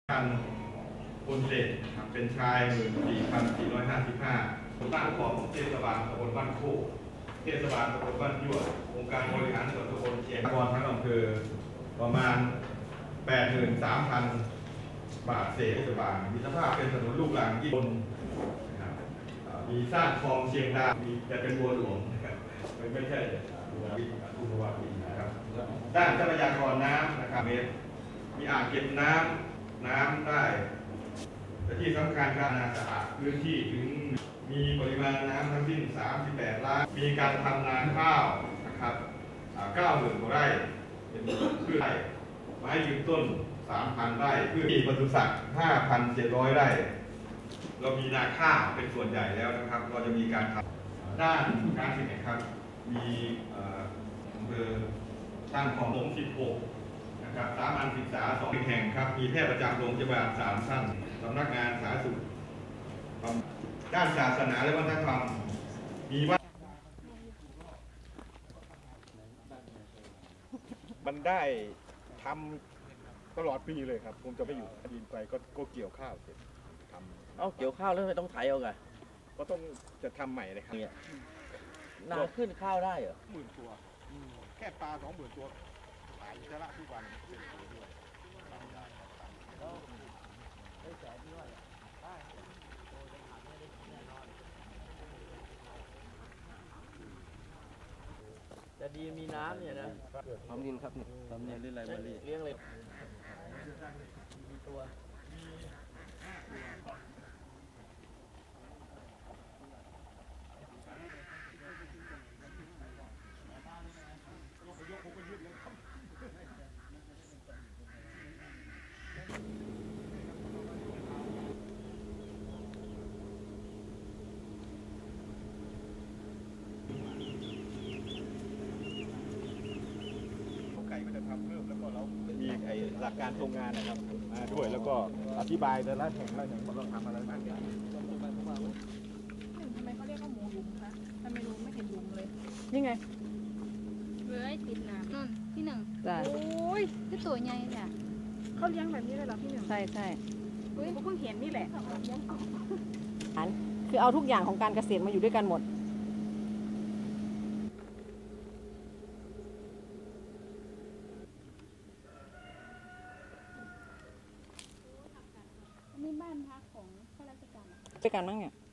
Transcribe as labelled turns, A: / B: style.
A: การคนเศษเป็นชาย14,455คนตั้งของเทศบาลตำบลบ้านโคกเทศบาลตำบลบ้านยั่วองค์การบริหารส่วนตำบลเชียงคานทั้งอำเภอประมาณ 83,000 บาทเศษเทศบาลมีสภาพเป็นถนนลูกรังญี่ปุ่นมีสร้างคลองเชียงดาวมีจะเป็นบัวหลวงไม่ใช่บัวอุบลนะครับด้านทรัพยากรน้ำนะครับมีอ่างเก็บน้ำได้และที่สำคัญการสะอาดพื้นที่ถึงมีปริมาณน้ำทั้งสิ้น38 ล้านมีการทำนาข้าวนะครับ90,000 กว่าไร่เป็นพืชไร่ไม้ยืนต้น 3,000 ไร่พืชปศุสัตว์ 5,700 ไร่เรามีนาข้าวเป็นส่วนใหญ่แล้วนะครับเราจะมีการทำด้านการศึกษาครับมีอำเภอตั้งของ16นะครับสามัญศึกษา2 แห่งครับมีแพทย์ประจำโรงพยาบาล3 ท่านสำนักงานสาธารณสุขด้านศาสนาและวัฒนธรรมมีว่า
B: มันได้ทำตลอดปีเลยครับผมจะไม่อยู่ดินไปก็เกี่ยวข้าวเสร็จทำ
C: เอาเกี่ยวข้าวแล้วไม่ต้องไถเอาไง
B: ก็ต้องจะทำใหม่เลยครับ
C: นาขึ้นข้าวได้เหรอ
B: 10,000 ตัวแค่ปลา20,000 ตัวขายจะละทุกวัน
C: จะดีมีน้ำเนี่ยนะ
B: ทำดินครับ
C: ทำเนี่ยเรื่องอะไรมาเลี้ยงเลยมีตัว
B: เพิ่มแล้วก็เรามีหลักการโครงงานนะครับมาด้วยแล้วก็อธิบายแต่ละแห่งว่าเราทำอะไรบ้าง
D: ทำไมเขาเรียกว่าหมูหลุมคะทำไมลุงไม่เห็นหลุมเลย
E: นี่ไง
D: เว้ยติดน้ำนั่นที่หนึ่ง
E: โ
D: อ้ยที่ตัวใหญ่เนี่ยเขาเลี้ยงแบบนี้เลยเหรอพี่หนึ่ง
E: ใช่ใช่
D: เฮ้ยเขาเพิ่งเห็นนี่แหละ
E: คือเอาทุกอย่างของการเกษตรมาอยู่ด้วยกันหมด
D: นี่บ้านพักของข้าราชการ
E: ด้วยกันมั้งเนี่ย